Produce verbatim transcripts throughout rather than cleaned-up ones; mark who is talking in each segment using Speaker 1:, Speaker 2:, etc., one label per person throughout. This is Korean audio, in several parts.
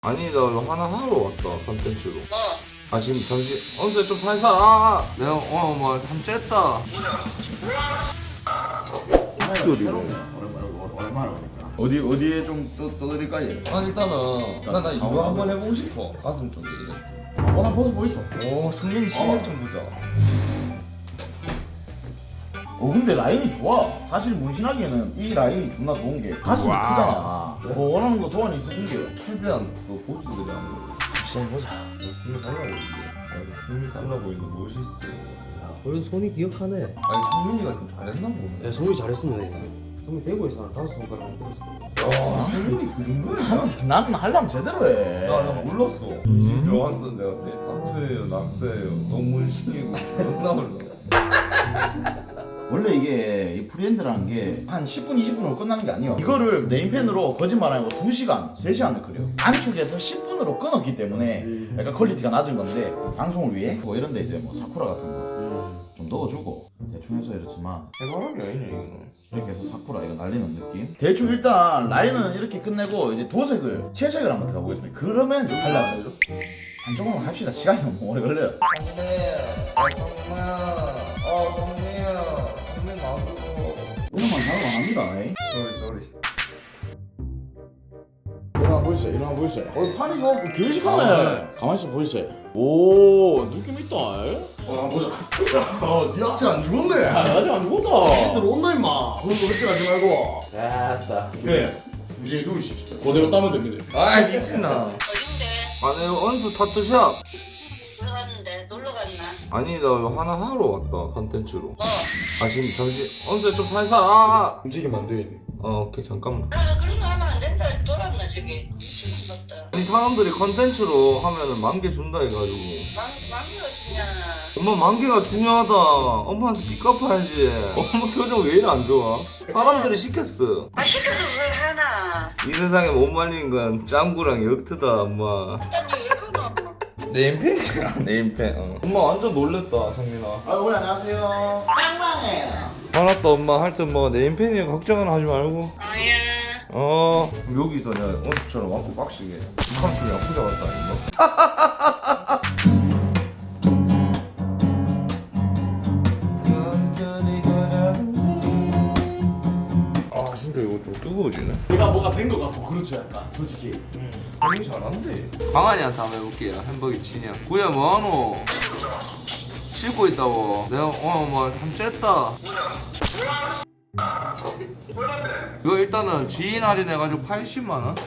Speaker 1: 아니 나 이거 하나 하러 왔다 컨텐츠로.
Speaker 2: 어.
Speaker 1: 아 지금 잠시 언제 좀 살살 아 내가 오늘 뭐참 쨌다.
Speaker 3: 얼마나 오니까 어디 어디에 좀 떠, 떠드릴까요?
Speaker 1: 아 일단은 나, 나 이거 한번 해보고 싶어. 가슴 쪽에 이래.
Speaker 3: 어나 벗어 보이소.
Speaker 1: 오 승민이 실력 좀 보자.
Speaker 3: 어 근데 라인이 좋아. 사실 문신하기에는 이 라인이 존나 좋은 게 가슴이 크잖아. 뭐 원하는 거 도안이 있으신게요.
Speaker 1: 최대한 그 보스들이 안 보여.
Speaker 3: 시작해보자.
Speaker 1: 힘이 달라 보이는데. 힘이 달라 보이는데 멋있어.
Speaker 4: 그래도 손이 기억하네.
Speaker 1: 아니 성민이가 좀 잘했나 보네.
Speaker 4: 야, 성민이 잘했습니다. 성민 대구에서 한 다섯 손가락 안 들었어.
Speaker 1: 와 성민이 그 정도야?
Speaker 3: 나는 나는 하려면 제대로 해.
Speaker 1: 나나 몰랐어. 진짜 왔어 내가 내 타투예요, 낙서예요, 너문신이고 존나 몰라.
Speaker 3: 원래 이게 이 프리핸드라는 게 한 십 분 이십 분으로 끝나는 게 아니에요. 이거를 네임펜으로 거짓말 아니고 두 시간 세 시간을 그려. 안축에서 십 분으로 끊었기 때문에 약간 퀄리티가 낮은 건데 방송을 위해 뭐 이런 데 이제 뭐 사쿠라 같은 거 좀 넣어주고 대충 해서 이렇지만
Speaker 1: 해바라기 아니냐 이거는.
Speaker 3: 이렇게 해서 사쿠라 이거 날리는 느낌. 대충 일단 라인은 이렇게 끝내고 이제 도색을 채색을 한번 들어가 보겠습니다. 그러면 이제 달라져요. 한쪽으로만 합시다. 시간이 너무 오래 걸려요.
Speaker 1: 성민아, 성민아, 어 성민아, 성민 나와주고.
Speaker 3: 이런만 작업 안 합니다. 에이.
Speaker 1: 쏘리 쏘리.
Speaker 3: 일어나 보이세요? 일어나 보이세요? 어, 판이 좋았고 교식하네.
Speaker 1: 아, 네.
Speaker 3: 가만히 있어 보이세요? 오, 느낌 있다. 에?
Speaker 5: 어, 보자. 야, 니 악질 안 죽었네.
Speaker 3: 아, 아직 안 죽었다.
Speaker 5: 애들 온다 임마. 그런 거 흑질하지 말고.
Speaker 3: 됐다.
Speaker 5: 네. 이제 누우시. 그대로 따면 됩니다.
Speaker 1: 아이 미친나.
Speaker 2: 어딘데?
Speaker 1: 아니 언수 타투샵.
Speaker 2: 들어갔는데 놀러 갔나?
Speaker 1: 아니 나 이거 하나 하러 왔다 컨텐츠로.
Speaker 2: 어.
Speaker 1: 아 지금 잠시 언제 좀 살살 아.
Speaker 5: 움직이면 안 되겠네.
Speaker 1: 어 오케이 잠깐만.
Speaker 2: 아 그런 거 하면 안 된다. 돌았나 저기. 죽었다.
Speaker 1: 아니 사람들이 컨텐츠로 하면은 만 개 준다 해가지고.
Speaker 2: 망 망이가 주냐?
Speaker 1: 엄마 만 개가 중요하다. 엄마한테 빚 갚아야지. 엄마 표정 왜 이래 안 좋아? 사람들이 시켰어.
Speaker 2: 아 시켜도 뭘 하나?
Speaker 1: 이 세상에 못 말리는 건 짱구랑 역트다 엄마.
Speaker 2: 아니 왜 그러노?
Speaker 1: 네임펜이야 네임펜. 어. 엄마 완전 놀랬다 성민아.
Speaker 3: 아, 어머니 안녕하세요. 빵빵해요.
Speaker 1: 알았다 엄마. 하여튼 뭐 네임펜이야 걱정은 하지 말고.
Speaker 2: 아야.
Speaker 1: 어 그럼 여기서 내가 원수처럼 왕고 빡시게 북한 쪽에 야쿠자 같다 임마. 아 진짜 이거 좀 뜨거워지네.
Speaker 3: 내가 뭐가 된 것 같고 그렇죠 약간 솔직히.
Speaker 1: 형이 잘한대. 강한이한테 한번 해볼게요. 햄버거 치냐. 구야 뭐하노? 씻고 있다고. 내가 오늘 뭐참 쨌다. 이거 일단은 지인 할인해가지고 팔십만 원?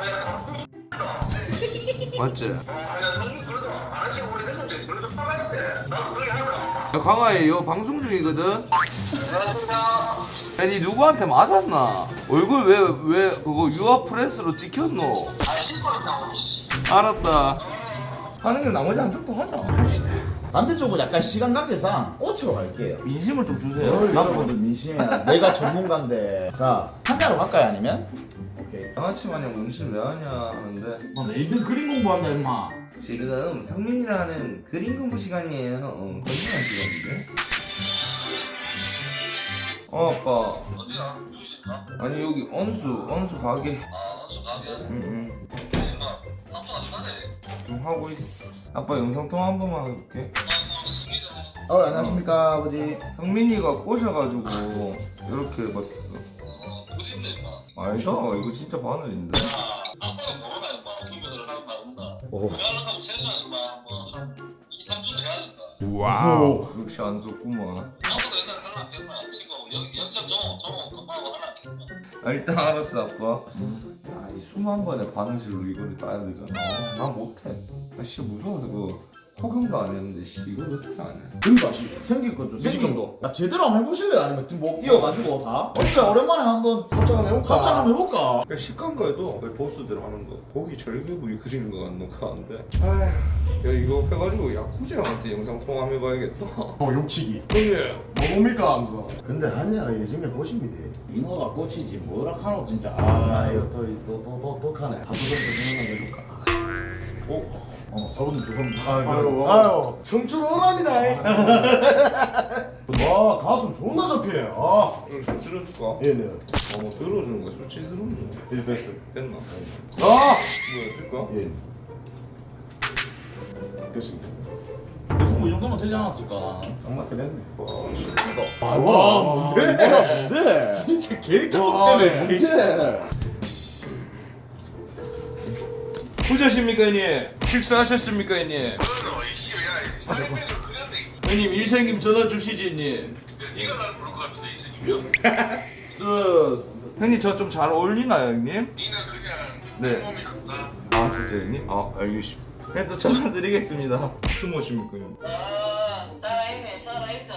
Speaker 1: 맞지? 야 강아이 이거 방송 중이거든? 야, 니 누구한테 맞았나? 얼굴 왜, 왜 그거 유아 프레스로 찍혔노? 알았다. 하는 게 나머지 한쪽도 하자.
Speaker 3: 반대쪽은 약간 시간 관계상 꽃으로 갈게요.
Speaker 1: 민심을 좀 주세요.
Speaker 3: 남자분들 민심이야. 내가 전문가인데. 자, 한자로 갈까요 아니면? 오케이.
Speaker 1: 양아치 마냥 문신 왜 하냐 하는데
Speaker 3: 아, 내일은 그림 공부한다 임마.
Speaker 1: 지금 성민이라는 그림 공부 시간이에요. 어, 건전한 시간인데. 어 아빠.
Speaker 2: 어디야? 누구신가?
Speaker 1: 아니 여기 언수 언수 가게.
Speaker 2: 아 어서 가게.
Speaker 1: 응응.
Speaker 2: 임마. 아빠 안 가네.
Speaker 1: 좀 하고 있어. 아빠 영상 통화 한 번만 해볼게.
Speaker 3: 어, 안녕하십니까 아버지.
Speaker 1: 성민이가 꼬셔가지고 이렇게 해봤어.
Speaker 2: 어디 있네 임마.
Speaker 1: 아니다 이거 진짜 바늘인데.
Speaker 2: 아빠는 모르나 임마. 분명히 하는 말 없나?
Speaker 1: 오.
Speaker 2: 대학을 최소한 임마 뭐한 이, 삼 주는 해야 된다.
Speaker 3: 와우.
Speaker 1: 역시 안 속구만.
Speaker 2: 아빠도 옛날에 하나 안 됐나? 지금 연- 연습 좀, 좀 금방하고 하나 안 됐나?
Speaker 1: 아 일단 알았어 아빠. 야이 수만 번의 바느질로 이거를 따야 되잖아. 아, 나 못해. 나 진짜 무서워서 그 호경도 안 했는데 씨 이걸 어떻게 안 해?
Speaker 3: 그러니까 씨, 생길 거죠.
Speaker 5: 미식 정도.
Speaker 3: 야 제대로 한번 해보실래요? 아니면 뭐 이어가지고 다? 어때 오랜만에 한번
Speaker 5: 합작 한번 해볼까?
Speaker 3: 합작 한번 해볼까?
Speaker 1: 그러니까 식감과에도 거의 보스대로 하는 거. 거기 절개부위 그리는 거 같는 거 같은데. 아휴 야 이거 해가지고 야쿠자한테 영상 통화해봐야겠다.
Speaker 3: 어 욕치기.
Speaker 5: 형님, 뭐 뭡니까 하면서.
Speaker 6: 근데 한야가 요즘에 보십니다.
Speaker 3: 잉어가 꽃이지 뭐라 카노 진짜.
Speaker 6: 아
Speaker 3: 아
Speaker 6: 이거
Speaker 3: 이거
Speaker 6: 또또또또 독하네. 다도전도 생각나게 해줄까.
Speaker 1: 어?
Speaker 3: 어 사부님 죄송합니다.
Speaker 5: 아유, 아유, 청출 오랍니다. 와, 가슴 존나 잡히네. 아,
Speaker 1: 좀 들어줄까?
Speaker 6: 예, 네.
Speaker 1: 어, 뭐 들어주는 거 수치스럽네.
Speaker 5: 이제 됐어.
Speaker 1: 됐나?
Speaker 5: 아,
Speaker 1: 뭐야, 들까?
Speaker 6: 예.
Speaker 5: 됐습니다.
Speaker 3: 대충 뭐이 정도면 되지 않았을까?
Speaker 6: 딱 맞게 됐네.
Speaker 1: 와, 쉽다.
Speaker 5: 와, 뭔데?
Speaker 3: 뭔데?
Speaker 5: 진짜 개깜빡대네.
Speaker 3: 뭔데?
Speaker 1: 부자십니까, 형님? 식사하셨습니까, 형님?
Speaker 2: 그래서 이씨 야 사장님을 그렸네.
Speaker 1: 형님, 일생님 전화 주시지, 형님.
Speaker 2: 네가 날 부를 것 같은데 이승이면.
Speaker 1: 쓰스. 형님, 저 좀 잘 어울리나요, 형님?
Speaker 2: 니는 그냥
Speaker 1: 네.
Speaker 2: 몸이 낫다.
Speaker 1: 아, 진짜 형님? 아, 알겠습니다. 그래서 전화 드리겠습니다. 스모십니까, 형님?
Speaker 7: 아, 살아있네, 살아있어.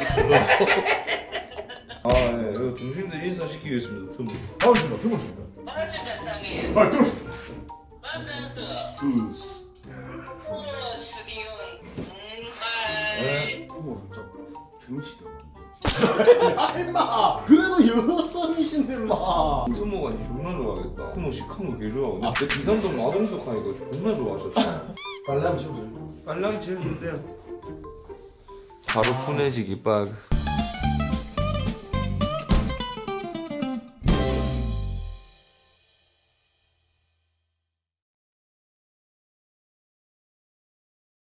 Speaker 1: 아, 네. 이거 중심들 인사시키겠습니다, 틈.
Speaker 5: 반갑습니다. 들어오십니다.
Speaker 7: 반갑습니다, 상이.
Speaker 5: 아, 들어오십니다.
Speaker 7: 만나서.
Speaker 5: 으스.
Speaker 7: 우와, 스디온. 음,
Speaker 1: 네.
Speaker 7: 바이.
Speaker 6: 부모 살짝 중시다. 아, 임마. 그래도 여성이신데, 임마.
Speaker 1: 트모가 니 존나 좋아하겠다. 트모 시큰 거개 좋아하거든. 아, 근데 비산동 마동석 하니까 존나 좋아하셨다.
Speaker 6: 빨리 한번 치워보세요.
Speaker 1: 빨랑 지금 돼요. 바로 순해지기 빡.